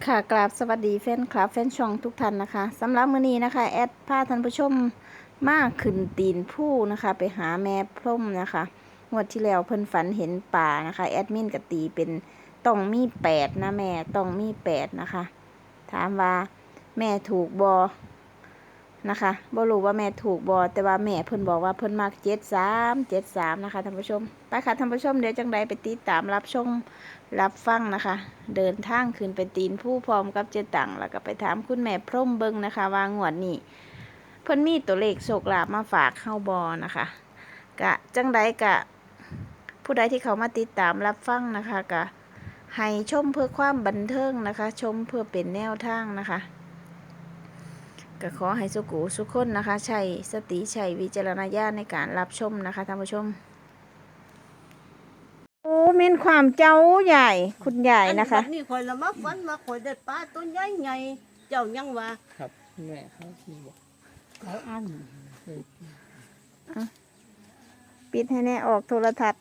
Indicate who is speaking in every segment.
Speaker 1: ค่ะกราบสวัสดีแฟนคลับแฟนช่องทุกท่านนะคะสำหรับมื้อนี้นะคะแอดพาท่านผู้ชมมาขึ้นตีนผู้นะคะไปหาแม่พร่มนะคะงวดที่แล้วเพิ่นฝันเห็นป่านะคะแอดมินก็ตีเป็นต้องมี8นะแม่ต้องมี8นะคะถามว่าแม่ถูกบอนะคะบ่รู้ว่าแม่ถูกบอแต่ว่าแม่เพิ่นบอกว่าเพิ่นมัก73นะคะท่านผู้ชมไปค่ะท่านผู้ชมเดี๋ยวจังใดไปติดตามรับชมรับฟังนะคะเดินทางขึ้นไปตีนผู้พร้อมกับเจตังแล้วก็ไปถามคุณแม่พร่มเบิงนะคะว่างวดนี้เพิ่นมีตัวเลขโชคลาภมาฝากเข้าบอนะคะกะจังใดกะผู้ใดที่เขามาติดตามรับฟังนะคะกะให้ชมเพื่อความบันเทิงนะคะชมเพื่อเป็นแนวทางนะคะก็ขอให้สุขุสุขคนนะคะใช้สติใช้วิจารณญาณในการรับชมนะคะท่านผู้ชมโอ้เม่นความเจ้าใหญ่คุณใหญ่นะคะ
Speaker 2: อันี่คอยละมาฝันมาคอยได้ปลาตัวใหญ่ใหญ่เจ้ายังว่า
Speaker 3: ครับแม่เขาที่บอก
Speaker 2: เขาอัน
Speaker 1: ปิดให้แน่ออกโทรทัศน์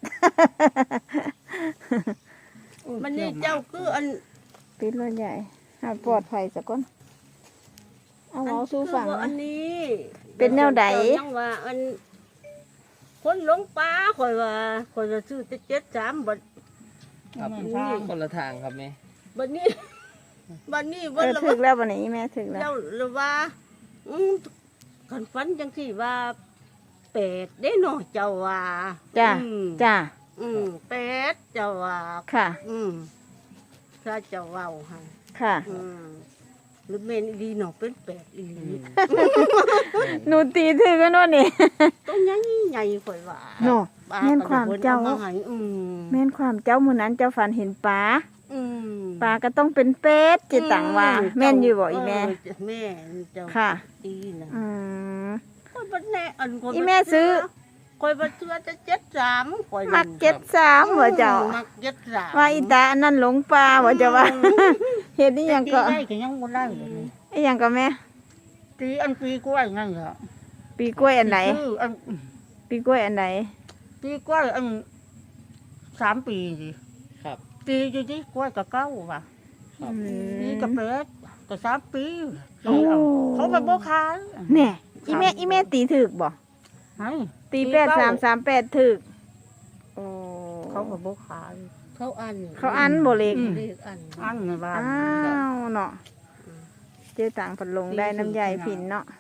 Speaker 2: มันนี่เจ้าคืออัน
Speaker 1: ปิดรถใหญ่หาปลอดภัยสักคนเอาเอาสู้ฝั่ง
Speaker 2: คือว่าอั
Speaker 1: นะ
Speaker 2: นนี้
Speaker 1: เป็นแนวใด
Speaker 2: เจ้ายังว่าอันคนหลงป่าคอยว่าคอยจะซื้อแต่73บัด
Speaker 3: ครับ
Speaker 2: นี่
Speaker 3: คนละทางครับแม่
Speaker 2: บัดนี้บัดนี้
Speaker 1: เอ
Speaker 2: วัน
Speaker 1: อ
Speaker 2: ละ
Speaker 1: ถึกแล้ววันนี้แม่ถึกแล้ว
Speaker 2: เจ้าละว่าคันฝันจังซี่ว่าเป็ดได้เนาะเจ้าว่า
Speaker 1: จ้า
Speaker 2: อืม
Speaker 1: จ้า
Speaker 2: เป็ดเจ้าว่า
Speaker 1: ค่ะ
Speaker 2: ถ้าเจ้าเว้าให้
Speaker 1: ค่ะ
Speaker 2: หรือเมนอีดีเนาะเป็นเป็ดอีหลี
Speaker 1: หนูตีถึกกันวะนี่
Speaker 2: ต้องใหญ่ใหญ่ข่อยว่า
Speaker 1: โน่
Speaker 2: ปล
Speaker 1: แม่นความเจ้า
Speaker 2: ก็ได้พิ่นอให้
Speaker 1: แม่นความเจ้ามื้อนั้นเจ้าฝันเห็นปลา
Speaker 2: อืม
Speaker 1: ปลาก็ต้องเป็นเป็ดจิตังว่า แม่นอยู่บ่อีแม่
Speaker 2: แม่เจ้า
Speaker 1: ค่ะ
Speaker 2: ตีนะ
Speaker 1: อืม
Speaker 2: ข่อยบ่แน่อันข่อย
Speaker 1: อีแม่ซื้อ
Speaker 2: ข่อยบ่เชื่อจะ73ข่อย
Speaker 1: มัก73บ่เจ้า
Speaker 2: มัก73
Speaker 1: ว่าอีตาอันนั้นหลงปลาบ่เจ้าว่า เฮ็ดอีหยังก็
Speaker 2: ตีได้ก็ยังบ่ได้เลย
Speaker 1: อีหยังก็แม่
Speaker 2: ตีอันปีกล้วยนั่นเหรอ
Speaker 1: ปีกล้วยอันไหน
Speaker 2: คืออัน
Speaker 1: ปีกล้วยอันไหน
Speaker 2: ปีกล้วยอัน3 ปีสิ
Speaker 3: ครับ
Speaker 2: ตีอยู่ที่กล้วยกับเก้าว่ะ
Speaker 3: ครับ
Speaker 2: ปีกับเป็ดก็3 ปี
Speaker 1: โอ้
Speaker 2: เขาไปบ่ขาย
Speaker 1: แน่อีแม่ตีถึกบ่
Speaker 2: ให้
Speaker 1: ตี8338ถึกโอ้
Speaker 2: เขาไปบ่ขายเขาอัน
Speaker 1: เขาอันบ่เล็ก
Speaker 2: เลขอันในบ้าน
Speaker 1: อ้าวเนาะเจ๊ต่างพัดลงได้น้ำใยผินเนาะ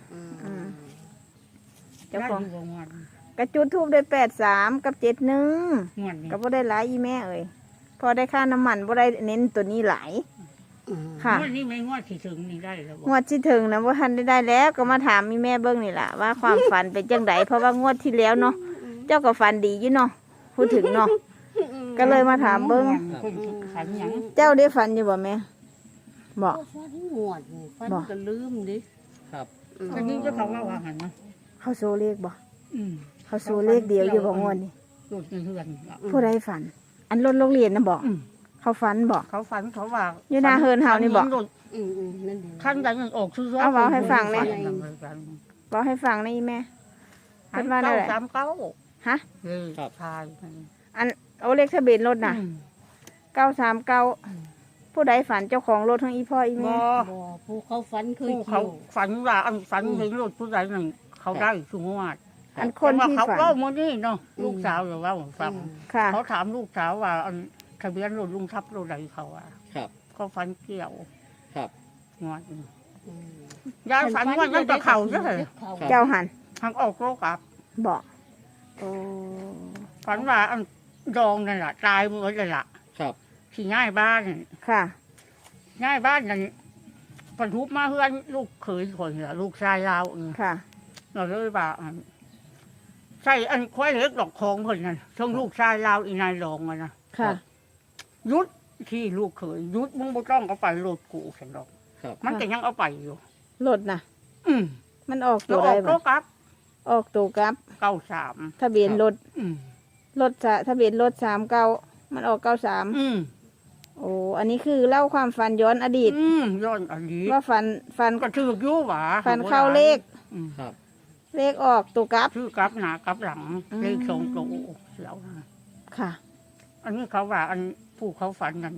Speaker 1: เจ้าของ
Speaker 2: ได้ยู่บ่งวด
Speaker 1: กระจุดทูบได้83กับ71
Speaker 2: งวดนี้
Speaker 1: ก็บ่ได้หลายอีแม่เอ้ยพอได้ค่าน้ำมันบ่ได้เน้นตัวนี้หลาย ค่ะ
Speaker 2: งวดนี้ไม่งวดที่ถึงนี่ได้แล้วบ่
Speaker 1: งวดที่ถึงนะว่าทันได้แล้วก็มาถามมีแม่เบิ้งนี่แหละว่าความฝันเป็นจังไดเพราะว่างวดที่แล้วเนาะเจ้าก็ฝันดีอยู่เนาะพูดถึงเนาะก็เลยมาถามเบิ้ง
Speaker 2: ขันหยัง
Speaker 1: เจ้าได้ฝันอยู่บ่แม่บอก
Speaker 2: ฟันงวดนี่ฟัน
Speaker 1: บ่
Speaker 2: ก็ลืมดิ
Speaker 3: ครับ
Speaker 2: อันนี้เจ้าเขาว่าหันนะ
Speaker 1: เขาโซเลขบ่
Speaker 2: อืม
Speaker 1: เขาโซเลขเดียวอยู่บ่งวดนี่
Speaker 2: โดดในเรือน
Speaker 1: ผู้ใดฝัน อันรถโรงเรียนนะบอก
Speaker 2: อืม
Speaker 1: เขาฝันบอก
Speaker 2: เขาฝันเขาว่า
Speaker 1: อยู่หน้าเฮิรนเฮานี่บอก
Speaker 2: นั่นดีขั้นใดมันออกซื้อ
Speaker 1: เอาเว้าให้ฟังเลย
Speaker 2: ฝั
Speaker 1: บอกให้ฟังนะอีแม่
Speaker 2: อัน
Speaker 1: เพิ่นว่าได้
Speaker 2: เก้า
Speaker 1: แหละ
Speaker 2: 39
Speaker 1: ฮะ
Speaker 3: ครับ
Speaker 2: ชาย
Speaker 1: อันเอาเลขทะเบียนรถน่ะ939ผู้ใดฝันเจ้าของรถทั้งอีพ่ออี
Speaker 2: บ่
Speaker 1: แม่
Speaker 2: ผู้เขาฝันเคยเขาฝันว่าอันฝันเห็นรถผู้ใดหนึ่งเขาได้สมมติว่า
Speaker 1: อันคน
Speaker 2: แต่ว่า
Speaker 1: ที่
Speaker 2: เขา
Speaker 1: ฝัน
Speaker 2: เล่ามานี่เนาะลูกสาวหรือว่าฟัง
Speaker 1: ค่ะ
Speaker 2: เขาถามลูกสาวว่าอันทะเบียนรถลุงทับรถใดเขาอ่ะ
Speaker 3: ครับ
Speaker 2: เขาฝันเกี่ยว
Speaker 3: ครับ
Speaker 2: งวดนี้ยายฝันว่านั่นกับเขาใช่ไหม
Speaker 1: เจ้าหัน
Speaker 2: ทางออกโลกอับ
Speaker 1: บอกโอ้
Speaker 2: ฝันว่าอันดองนั่นแหละตายหมดเลยล่ะ
Speaker 3: ครับ
Speaker 2: ที่ง่ายบ้าน
Speaker 1: ค่ะ
Speaker 2: ง่ายบ้านนั่นปนทุบมาเพื่อนลูกเขยคนเหรอลูกชายเราเนี่ย
Speaker 1: ค่ะ
Speaker 2: เราเลยว่าอันใช่อันควายเล็กดอกคองคนนั้นช่วงลูกชายเราอีนายรองอะนะ
Speaker 1: ค่ะ
Speaker 2: ยุดที่ลูกเขยยุดมึงบ่ต้องเอาไปโหลดกูฉันดอก
Speaker 3: ครับ
Speaker 2: มันก็ยังเอาไปอยู่
Speaker 1: รถน่ะ
Speaker 2: อืม
Speaker 1: มันออก
Speaker 2: แล้
Speaker 1: ตัว ว
Speaker 2: อ
Speaker 1: ได้
Speaker 2: อก
Speaker 1: บ่
Speaker 2: โลกับ
Speaker 1: ออกตัวกับ
Speaker 2: 93
Speaker 1: ทะเบียนรถ
Speaker 2: อืม
Speaker 1: ทะเบียนรถ39มันออก93
Speaker 2: อืม
Speaker 1: โอ้อันนี้คือเล่าความฝันย้อนอดีต
Speaker 2: ย้อนอันนี้
Speaker 1: ว่าฝัน
Speaker 2: ก็ถือกอยู่หว่า
Speaker 1: ฝันเข้าเลข
Speaker 2: อืม
Speaker 3: ครับ
Speaker 1: เลขออกตัวกับ
Speaker 2: ชื่อกับหน้ากับหลัง
Speaker 1: อืม
Speaker 2: เลขสองตัวเสียวนะ
Speaker 1: ค่ะ
Speaker 2: อันนี้เขาว่าอันผู้เขาฝันนั้น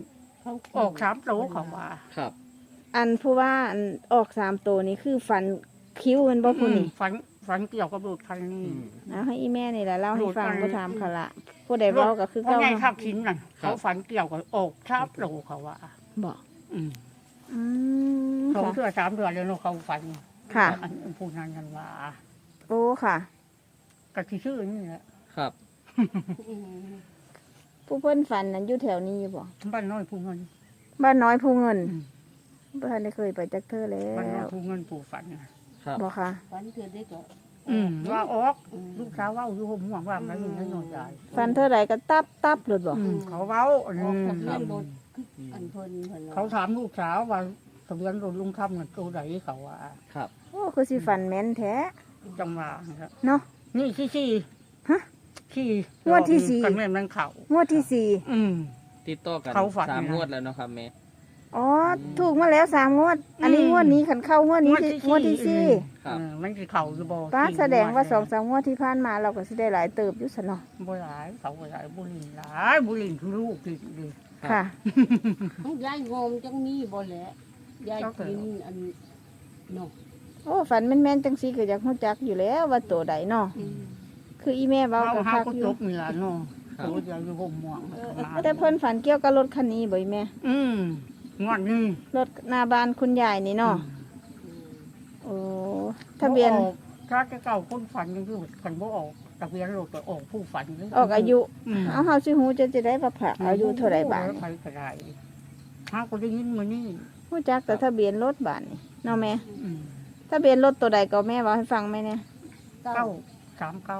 Speaker 4: เขา
Speaker 2: ออก3โตเขาว่า
Speaker 3: ครับ
Speaker 1: อันผู้ว่าอันออก3ตัวนี้คือฟันคิ้วมันบ่ผู้นี่
Speaker 2: ฝันเกี่ยวกับรถคันนี้
Speaker 1: เอาให้อีแม่นี่แหละเล่าให้ฟัง
Speaker 2: โดดไป
Speaker 1: บ่ถามเขาละผู้ใดเว้าก็คือ
Speaker 2: เพราะ
Speaker 1: เก่า
Speaker 2: ไง
Speaker 1: เนาะ
Speaker 2: ขับขินน่ะเขาฝันเกี่ยวกับออก3โตเขาว่า
Speaker 1: บ่
Speaker 2: อืม
Speaker 1: อืม
Speaker 2: 2
Speaker 1: ค่ะ
Speaker 2: เดือน3 เดือนแล้วเนาะเขาฝัน
Speaker 1: ค่ะ
Speaker 2: อันผู้นั้นกันว่า
Speaker 1: โอ้ค่ะ
Speaker 2: ก็สิชื่อนี่แหละ
Speaker 3: ครับ
Speaker 4: อืม
Speaker 1: ผู้เพิ่นฝันนั้นอยู่แถวนี้บ่
Speaker 2: บ้านน้อยผู้เงิน
Speaker 1: บ้านน้อยผู้เงิน
Speaker 2: อืม
Speaker 1: บ่ทันได้เคยไปจักเทื่อแล้
Speaker 2: บ้านน้อยว
Speaker 1: บ่
Speaker 2: ผู้เงินผู้ฝันน่ะ
Speaker 3: ครับ
Speaker 1: ค่ะ
Speaker 4: ฝันเกิดได้ก็
Speaker 2: ว่าออก
Speaker 4: อืม
Speaker 2: ลูกสาวเว่าอยู่ห่มห่วงว่ามันอยู่ในนอนใหญ่
Speaker 1: ฝันเท่าไหร่ก็ตับหลุดบ่
Speaker 2: เขาเว้า
Speaker 4: ออกทะเบียนรถอันเพิ่นเพิ่น
Speaker 2: เขาถามลูกสาวว่าทะเบียนรถลุงคำเงินตัวไหนเขาว่า
Speaker 3: ครับ
Speaker 1: โอ้คือสิฝันแม่นแท้
Speaker 2: จังหวะนะครับ
Speaker 1: เนาะ
Speaker 2: นี่ที่
Speaker 1: ฮะ
Speaker 2: ที่
Speaker 1: งวดที่สี่
Speaker 2: กันแม่มันเขา
Speaker 1: งวดที่สี่
Speaker 2: อืม
Speaker 3: ติดต่อกัน
Speaker 2: เขาฝัน
Speaker 3: 3
Speaker 2: นะ
Speaker 3: งวดแล้วเนาะครับแม่
Speaker 1: อ๋อถูกมาแล้ว3งวด อันนี้
Speaker 2: อืม
Speaker 1: งวดนี้คันเข้างวดนี้คืองวดที่สี่
Speaker 3: ครับ
Speaker 2: มันคือเขาอยู่บ่
Speaker 1: ป้า
Speaker 2: ที่
Speaker 1: แสดงว่า
Speaker 2: เนี่ย
Speaker 1: 2-3งวดที่ผ่านมาเราก็สิได้หลายเติบอยู่ซะเนาะ
Speaker 2: บ่หลายเขาบ่หลายบุหรี่หลายบุหรี่คือลูกกินดิ
Speaker 1: ค่ะ
Speaker 4: ของยายงมจังมีบ่แหละยายกินอันเนาะ
Speaker 1: โอ้ฝันแม่นๆจังซี่ก็อยากรู้จักอยู่แล้วว่าตัวใดเนาะ
Speaker 4: อืม
Speaker 1: คืออีแม่เว้า
Speaker 2: เขา
Speaker 1: ก็
Speaker 2: เฮา
Speaker 1: คัก
Speaker 2: ก็
Speaker 1: อ
Speaker 2: จ
Speaker 1: ยู่
Speaker 2: บนี่ล่ะเนาะตัวเดียวอยู่ห่มห่วง
Speaker 1: แต่เพิ่นฝันเกี่ยวกับรถคันนี้บ่อีแม่
Speaker 2: งวดนี้
Speaker 1: รถหน้าบ้านคุณยายนี่เนาะ
Speaker 4: อืม
Speaker 1: โอ้ทะเบียน
Speaker 2: บ่ออกถ้าจะเก่าคนฝันยังอยู่คันบ่ออกทะเบียนรถก็ออกผู้ฝัน
Speaker 1: ออกอายุ
Speaker 2: อืม
Speaker 1: เอาเฮาสิฮู้จะได้ว่าพระอายุเท่าใดบาด
Speaker 2: ใครก็ได้ถ้าก็ได้ยินมื้อนี้
Speaker 1: ฮู้จักแต่ทะเบียนรถบาดนี่เนาะแม่
Speaker 2: อืม
Speaker 1: ทะเบียนรถตัวใดก็แม่เว้าให้ฟังไหมเนี่ย
Speaker 2: เก้าสามเก้า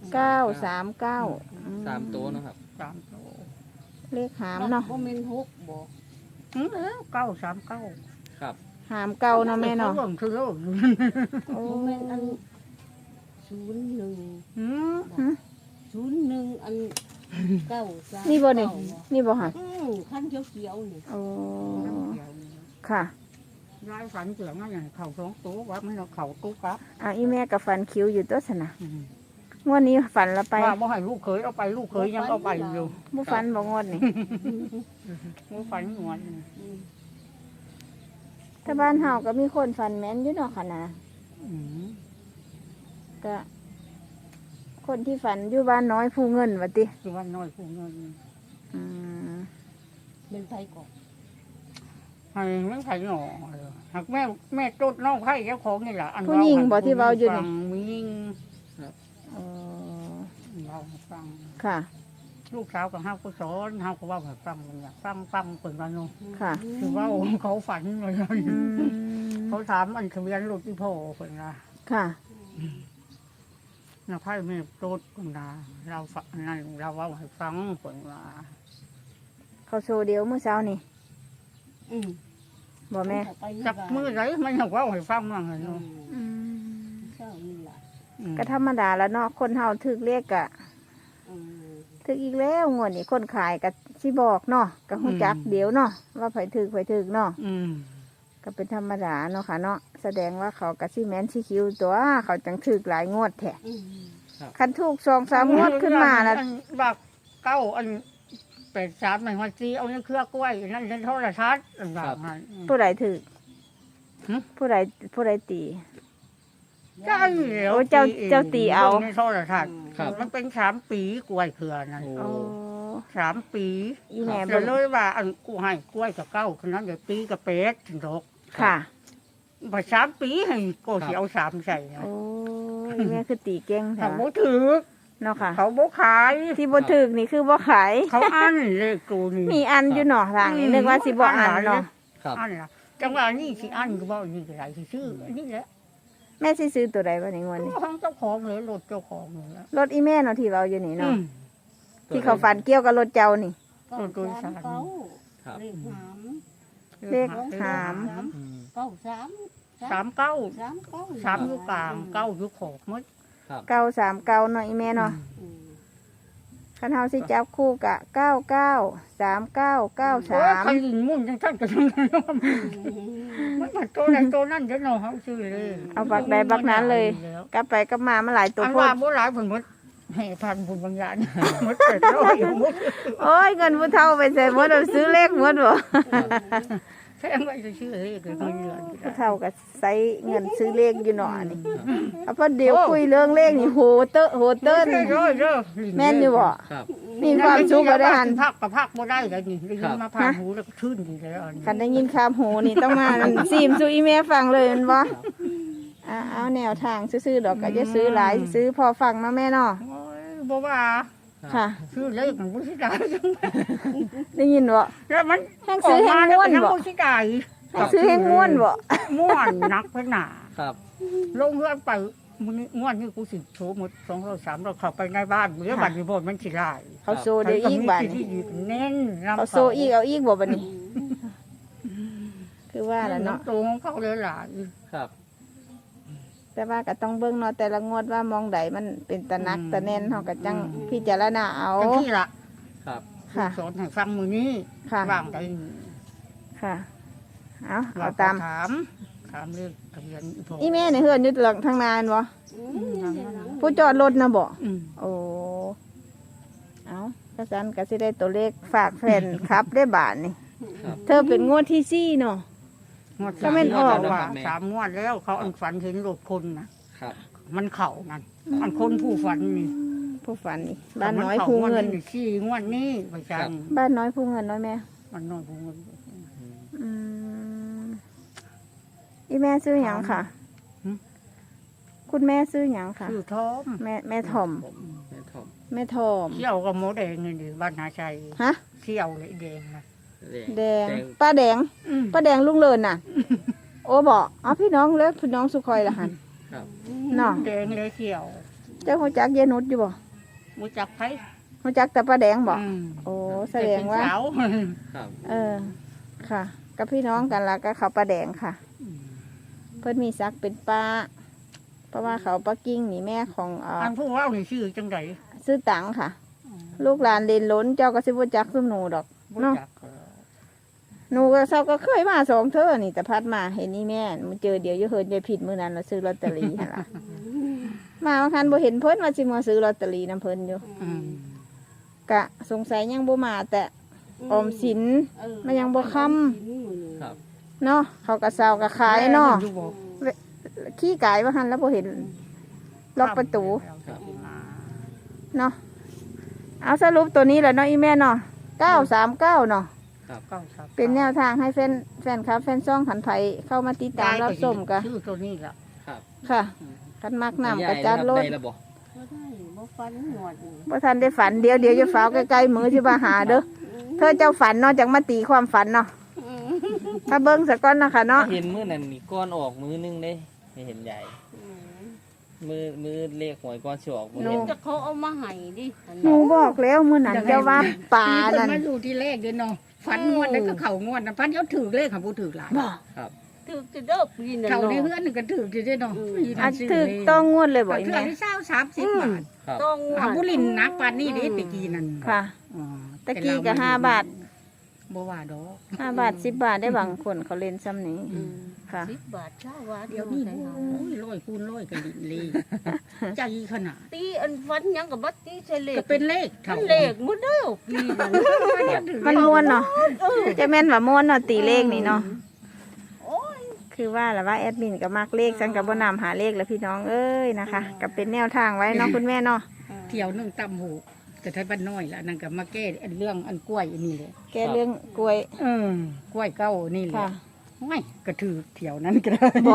Speaker 1: 939
Speaker 3: 3ตัวเนาะครับ
Speaker 2: สามโต
Speaker 1: เลขหามเนาะ
Speaker 4: บ่แม่นหกบ่
Speaker 2: เก้าสามเก้า
Speaker 3: ครับ
Speaker 1: หามเก่าเนาะแม่เนาะ
Speaker 2: เบิ่งคือเลิก
Speaker 1: โอ้
Speaker 4: บ่แม่นอัน01
Speaker 2: อืม
Speaker 4: 01อัน9
Speaker 1: นี่บ่นี่นี่บ่ฮะ
Speaker 4: คันเขียวๆนี่
Speaker 1: โอ้ค่ะ
Speaker 2: ยายฝันเกี่ยวกับอย่างเขาสองตัวว่ามันเอาเขาตู้กับ
Speaker 1: อ่ะอีแม่ก็ฝันคิ้วอยู่ตัวซะนะ
Speaker 2: อืม
Speaker 1: งวดนี้ฝันละไป
Speaker 2: ว่าบ่ให้ลูกเคยเอาไปลูกเคยยังเอาไปอยู่
Speaker 1: บ่ฝันบ่งวดนี่
Speaker 2: บ่ฝันหวน
Speaker 4: อืม
Speaker 1: ถ้าบ้านเฮาก็มีคนฝันแม่นอยู่เนาะค่ะนะ
Speaker 2: อืม
Speaker 1: ก็คนที่ฝันอยู่บ้านน้อยผู้เงินว่าติ
Speaker 2: คือว่าน้อยผู้เงิน
Speaker 1: อืม
Speaker 4: เป็นไผก่อน
Speaker 2: ให้มันไผหน่อหากแม่ตดน้องไผเจ้าของนี่ล่ะอัน
Speaker 1: ผู้หญิงบ่ที่เว้าอยู่
Speaker 2: ฟั
Speaker 1: นี่
Speaker 2: งมียิง
Speaker 1: อ๋อ
Speaker 2: เราให้ฟัง
Speaker 1: ค่ะ
Speaker 2: ลูกสาวกับเฮาก็สอนเฮาก็เว่าให้ฟังมันอยากฟังเปิดมาเนาะ
Speaker 1: ค่ะ
Speaker 2: คือว่าเขาฝันเลย
Speaker 1: อืม
Speaker 2: เขาถามอันทะเบียนรถที่พ่อเพิ่นนะ
Speaker 1: ค่ะ
Speaker 2: นะไพ่แม่โตดคุณนะเราฟังนั่นเราเว่าให้ฟังเพิ่นว่า
Speaker 1: เขาโชว์เดียวเมื่อเช้านี่
Speaker 4: อืม
Speaker 1: บ่แม่
Speaker 2: จับมือไหนมันอยากเว่าให้ฟังมั่งเลย
Speaker 4: อื
Speaker 2: เนาะ
Speaker 4: ม
Speaker 1: อืม
Speaker 4: เช้านี่ล่ะ
Speaker 2: อืม
Speaker 1: ก็ธรรมดาแล้วเนาะคนเฮาถึกเลขกะ
Speaker 4: อืม
Speaker 1: ถึกอีกแล้วงวดนี้คนขายก็สิบอกเนาะก็ฮู้จักเดี๋ยวเนาะว่าไผถึกเนาะ
Speaker 2: อืม
Speaker 1: ก็เป็นธรรมดาเนาะค่ะเนาะแสดงว่าเขากะสิแม่นสิคิวตัวเขาจังถึกหลายงวดแท้
Speaker 4: อืม
Speaker 1: คันถูก2-3งวดขึ้นมาน่ะ
Speaker 2: อับักเก้าอัน83มันว่าสิเอาในเครือกล้วยนั่นในโทรทัศน์อันว่างั้น
Speaker 1: ผู้ใดถึก
Speaker 2: หึ
Speaker 1: ผู้ใดตี
Speaker 2: ใช่แล้ว
Speaker 1: โอ้เจ้าตีเอา
Speaker 2: ในโทรทัศน์
Speaker 3: ครับ
Speaker 2: มันเป็น3 ปีกล้วยเครือนั่น
Speaker 3: โอ้
Speaker 1: โอ้
Speaker 2: 3 ปี
Speaker 1: อีแม่
Speaker 2: เดี๋
Speaker 1: บ่
Speaker 2: ยวเลยว่าอันกูให้กล้วยกับเก้าคนนั้นเดี๋ยวปีกับเป็ดถึงดอก
Speaker 1: ค่ะ
Speaker 2: พอ3 ปีให้ก็สิเอา3ใส่นะ
Speaker 1: โอ้อีแม่คือตีเก่ง
Speaker 2: เขา
Speaker 1: ค่ะ
Speaker 2: บ่ถือ
Speaker 1: เนาะค่ะ
Speaker 2: เขาบ่ขาย
Speaker 1: ที่บ่ถึกนี่คือบ่ขาย
Speaker 2: เขาอันเลยกูนี่
Speaker 1: มีอันอยู่เนาะทางนี้นึกว่าสิบ่อันเนาะ
Speaker 3: ครับ
Speaker 2: อันล่ะจังหวะนี้สิอันก็บ่นี่ก็ได้สิซื้ออันนี่แหละ
Speaker 1: แม่สิซื้อตัวใดบ่ในงวดนี้
Speaker 2: ของเจ้าของเลยรถเจ้าของเลยละ
Speaker 1: รถอีแม่เนาะที่เราอยู่นี่
Speaker 2: อื
Speaker 1: เนาะ
Speaker 2: ม
Speaker 1: ที่เขาฝันเกี่ยวกับรถเจ้านี่
Speaker 4: เก้า
Speaker 2: ตัวสาม
Speaker 4: เก้า
Speaker 3: ครับ
Speaker 4: เลขหาม
Speaker 1: เลขหาม
Speaker 3: อืม
Speaker 4: เก้าสาม
Speaker 2: 3 เก้า 3อยู่กลางเก้าอยู่ขอบหมด
Speaker 3: ครับ
Speaker 1: 939เนาะอีแม่เนาะ
Speaker 4: อืม
Speaker 1: คันเฮาสิจับคู่กะ99
Speaker 2: โอ้ยใคร
Speaker 1: 3993
Speaker 2: ยิงมุ่นจังท่านก็จังนั้นเนาะมันมาตัวนั้นตัวนั้นเด้อเนาะเฮาซื้อเลย
Speaker 1: เอาบักใดบักนั้นเลย กลับไปกลับมามันหลายตัว
Speaker 2: อัน
Speaker 1: โพ
Speaker 2: ว่า
Speaker 1: ด
Speaker 2: บ่หลายเพิ่นหมดให้พันบุญบางอย่างหมดไปร้อยหมด
Speaker 1: โอ้ยเงินผู้เฒ่าไปใส่หมดเอาซื้อเลขหมดบ่
Speaker 2: แค่ไม่จะชื่อเลขเลยคนเดือน
Speaker 1: ผู้เฒ่าก็ใส่เงินซื้อเลขอยู่หนอนี่เอาพอเดี๋ยวคุยเรื่องเลขนี่โหเตอะโหเติ้นแม่นอยู่บ่
Speaker 3: ครับ
Speaker 1: มีความสุขก็ได้หัน
Speaker 2: พักกับพักบ่ได้เลยนี่ได้ยินมาผ่านหูแล้วก็ชื่นดีแล้ว
Speaker 1: คันได้ยินคำโหนี่ต้องมาซีมสู่อีแม่ฟังเลยแมันบ่เอาแนวทางซื้อๆดอกก็จะซื้อหลายซื้อพอฟังเนาะแม่เนาะ
Speaker 2: โอ้ยบ่ว่า
Speaker 1: ค่ะ
Speaker 2: ชื่อเลขมันบ่สิได้
Speaker 1: ได้ยินบ่
Speaker 2: แล้วมัน
Speaker 1: แห้งซื้อแห้งม่วนบ่
Speaker 2: บ่สิได้
Speaker 1: ซื้อให้ม่วนบ่
Speaker 2: ม่วนนักไปหนา
Speaker 3: ครับ
Speaker 2: ลงเฮือนไปมื้อนี้ม่วนนี่กูสิโชว์หมด200 300เข้าไปในบ้านมื้อบัดนี้บ่มันสิได้
Speaker 1: เขาโซเดี๋ยวอีกบัด
Speaker 2: ที่เน้นนำ
Speaker 1: เขาโซอีกเอาอีกบ่บัดนี้ คือว่าล่ะเนาะ
Speaker 2: ตรงของเขาเลยหลาย
Speaker 3: ครับ
Speaker 1: แต่ว่าก็ต้องเบิ่งเนาะแต่ละงวดว่ามองใดมันเป็นตะนักตะแน่นเฮาก็จังพิจารณาเอา
Speaker 2: จังที่ละ
Speaker 3: ครับ
Speaker 1: ค่ะ
Speaker 2: สอนให้ฟังมื้อนี้
Speaker 1: ค่ะ
Speaker 2: ว่างได้
Speaker 1: ค่ะเอา
Speaker 2: เรา
Speaker 1: เอาตาม
Speaker 2: ถามเรื่องทะเบียนพ่
Speaker 1: อีแม่นี่เฮือนอยู่หลังทางนานบ่ ผู้จอดรถนะบ่
Speaker 2: อืม
Speaker 1: โอ้เอากระสันก็สิได้ตัวเลขฝากแฟนครับได้บาทนี่
Speaker 3: ครับ
Speaker 1: เธอเป็นงวดที่4เนาะ
Speaker 2: งวด
Speaker 1: ก็แม่นออก
Speaker 2: ว่า3งวดแล้วเขาอันฝันเห็นรถคนนะครับ มันเข้านั่น
Speaker 1: อืม
Speaker 2: มันคนผู้ฝันนี่
Speaker 1: ผู้ฝันนี่บ้านน้อยผู้เงิน
Speaker 2: ขี้งวดนี้ไปจัง
Speaker 1: บ้านน้อยผู้เงินน้อยแม่
Speaker 2: มันน้อยผู้เงิน
Speaker 1: อืมอีแม่ซื้อหยังค่ะ
Speaker 2: หืม
Speaker 1: คุณแม่ซื้อหยังค่ะ
Speaker 2: ชื่อท้อม
Speaker 1: แม่ถ่อม
Speaker 3: แม่ทอม
Speaker 1: แม่ทอม
Speaker 2: เที่ยวกับหมูแดงนี่ดิบ้านนาชัย
Speaker 1: ฮะ
Speaker 2: เที่ยวเลยแดงนะ
Speaker 1: แดงป้าแดง
Speaker 2: อืม
Speaker 1: ป้าแดงลุงเลินน่ะ โอ้บอกเอาพี่น้องแล้วพี่น้องสุคอยละหัน
Speaker 3: ครับ
Speaker 1: เนาะ
Speaker 2: แดงเลยเที่ยว
Speaker 1: เจ้าหัวจักเยนุดอยู่บ่
Speaker 2: มูจักไผ
Speaker 1: หัวจักแต่ป้าแดงบอก
Speaker 2: อืม
Speaker 1: โอ้แสดงว่า
Speaker 2: เป็นสาว
Speaker 3: ครับ
Speaker 1: ค่ะ กับพี่น้องกันละก็เขาป้าแดงค่ะ เพิ่นมีซักเป็นป้า เพราะว่าเขาป้ากิ้งนี่แม่ของ
Speaker 2: อันผู้เว่านี่ชื่อจังได
Speaker 1: ซื้อตังค่ะ ลูกหลานเรียนล้นเจ้าก็สิบ่จักซุมหนูดอก
Speaker 2: บ่
Speaker 1: เนาะ
Speaker 2: จัก
Speaker 1: หนูก็เศร้าก็เคยมาสองเทื่อนี่แต่พัดมาเห็นนี่แม่มันเจอเดี๋ยวจะเฮินจะผิดมื้อนั้นเราซื้อลอตเตอรี่หั่นล่ะ มาบางคันบ่เห็นเพิ่นว่าสิมาซื้อลอตเตอรี่นํเพิ่นอยู่
Speaker 2: อืม
Speaker 1: กะสงสัยยังบ่มาแต่ออมสิน มันยังบ่ค่ำ
Speaker 3: ครับ
Speaker 1: เนาะเขาก็เศร้าก็ขายเนาะ
Speaker 2: อยู่บ่
Speaker 1: ขี้กายว่าหันแล้วบ่เห็นล็อกประตู
Speaker 3: ครับ
Speaker 1: เนาะเอาสรุปตัวนี้แหละเนาะอีแม่เนาะ939เนาะ
Speaker 2: ก้าครับ
Speaker 1: เป็นแนวทางให้แฟนครับแฟนซ่องขันไผเข้ามาติดตามรับชมกะ
Speaker 2: ชื่อตัวนี้ล่ะ
Speaker 3: ครับ
Speaker 1: ค่ะคันมักน้ำกระจัดรถ
Speaker 3: ได้แล้วบ่
Speaker 4: บ่ได้บ่ฟันหมดนี่
Speaker 1: บ่ทันได้ฝันเดี๋ยวจะฟ้าวใกล้ๆมือสิมาหาเด้อเธอเจ้าฝันเนาะจังมาตีความฝันเนาะถ้าเบิ่งซะก่อนนะคะเนาะ
Speaker 3: เห็นมื้อนั้นนี่ก้อนออกมื้อนึงเด้ไม่เห็นใหญ่ มือเลขหวยก้อนสิออกมื้อ
Speaker 1: หนู
Speaker 3: เห็น
Speaker 4: จะเขาเอามาให้ดิอัน
Speaker 1: หนูบอกแล้วมื้อนั้นเจ้าว่าป่านั่น
Speaker 2: มาอยู่ที่เลขเด้อเนาะฝันงวดนั้นก็เข้างวดนะพันเขาถือเลขของผู้ถือหลาย
Speaker 1: บ่
Speaker 3: ครับ
Speaker 4: ถือจะเด้อปีนั้น
Speaker 2: เขาใน
Speaker 4: เนาะ
Speaker 2: เฮือนนึงก็ถืออยู่เด้อเนาะ
Speaker 1: อันถึกต้องงวดเลยบ่
Speaker 2: บ่
Speaker 1: อี
Speaker 2: เทื่อ
Speaker 1: แม่
Speaker 2: ที่30บาท
Speaker 3: ครับ
Speaker 4: ต้องงว
Speaker 2: อา
Speaker 4: ด
Speaker 2: บุรินทร์นักปานนี้เด้ตะกี้นั่น
Speaker 1: ค่ะ
Speaker 2: อ๋อ
Speaker 1: ตะกี้ก็5 บาท
Speaker 2: บ่ว่าดอก
Speaker 1: 5 บาท10 บาทได้บางคนเขาเล่นซ้ำนี้
Speaker 4: อืม
Speaker 1: ค่ะ
Speaker 4: 10 บาทเช้าบาท
Speaker 2: เดี๋ยวนี้โอ้ยร้อยคูณร้อยกันดิลีใจขนาด
Speaker 4: ตีอันฟันหยังกับบัดตีใส่เลข
Speaker 2: ก็เป็นเลข
Speaker 4: มั
Speaker 2: เท่าน
Speaker 4: เลขหมดเด้อปีนั้น
Speaker 1: มันม่วนเนาะจะแม่นว่าม่วนเนาะตีเลขนี่เนาะ
Speaker 4: โอ้ย
Speaker 1: คือว่าแหละว่าแอดมินก็มักเลขฉันก็บ่นำหาเลขแล้วพี่น้องเอ้ยนะคะก็เป็นแนวทางไว้เนาะคุณแม่เนาะ
Speaker 2: เที่ยวนึงตำหูแต่ไทยบ้านน้อยละนั่นก็มาแก้อันเรื่องอันกล้วยอันนี้เลย
Speaker 1: แกเรื่องกล้วย
Speaker 2: กล้วยเก้านี่แหละ
Speaker 1: ค่ะ
Speaker 2: ไม่กระถือเที่ยวนั้นก็ได้
Speaker 1: บ่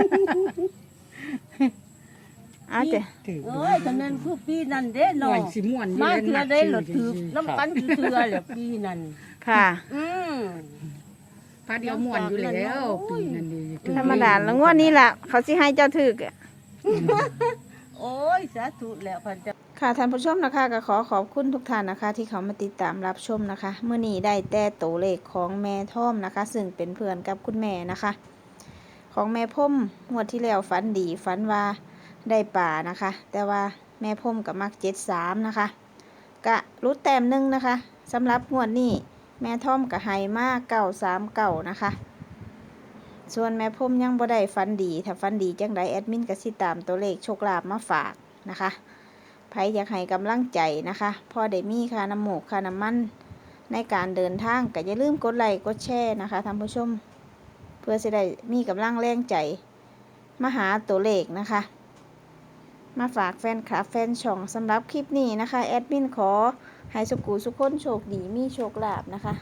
Speaker 1: เอาเจ้ะ
Speaker 2: ถือ
Speaker 4: เอ้ยคะแนนคือปีนั้นเด้
Speaker 2: หน่อ
Speaker 4: เนาะ
Speaker 2: ยสิม่วน
Speaker 4: มา
Speaker 2: ยู่
Speaker 4: เทื่อได้หลดถือน้ำกันเทื่อแหละปีนั้น
Speaker 1: ค่ะ
Speaker 4: อืม
Speaker 2: พาเดียวม่วนอยู่แล้วปีนั้นดีถือ
Speaker 1: ธรรมดาแล้วงวดนี้ล่ะ เขาสิให้เจ้าถึกอะ
Speaker 4: โอ้ยสาธุแล้วพันจะ
Speaker 1: ค่ะท่านผู้ชมนะคะก็ขอขอบคุณทุกท่านนะคะ ที่เขามาติดตามรับชมนะคะเมื่อนี้ได้แต่ตัวเลขของแม่ท่อมนะคะ ซึ่งเป็นเพื่อนกับคุณแม่นะคะ ของแม่พ่มงวดที่แล้วฝันดีฝันว่าได้ป่านะคะ แต่ว่าแม่พ่มกับมัก73นะคะกะรุดแต้มหนึงนะคะสำหรับงวดนี้แม่ท่อมกับไฮมาก939นะคะส่วนแม่พ่มยังบ่ได้ฝันดีถ้าฝันดีจังใดแอดมินก็สิตามตัวเลขโชคลาภมาฝากนะคะไผอยากให้กำลังใจนะคะพอได้มีค่าน้ำหมูกค่าน้ำมันในการเดินทางก็อย่าลืมกดไลค์กดแชร์นะคะท่านผู้ชมเพื่อจะได้มีกำลังแรงใจมาหาตัวเลขนะคะมาฝากแฟนคลับแฟนช่องสำหรับคลิปนี้นะคะแอดมินขอให้สุขุสุขคนโชคดีมีโชคลาภนะคะ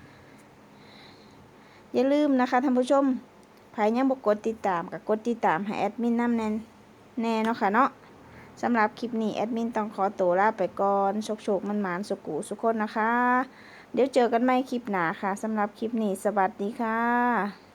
Speaker 1: อย่าลืมนะคะท่านผู้ชมใครยังบ่กดติดตามก็กดติดตามให้แอดมินนำแน่เนาะค่ะเนาะสำหรับคลิปนี้แอดมินต้องขอตัวลาไปก่อนโชคมันหมานสุขุสุขคนนะคะเดี๋ยวเจอกันใหม่คลิปหน้าค่ะสำหรับคลิปนี้สวัสดีค่ะ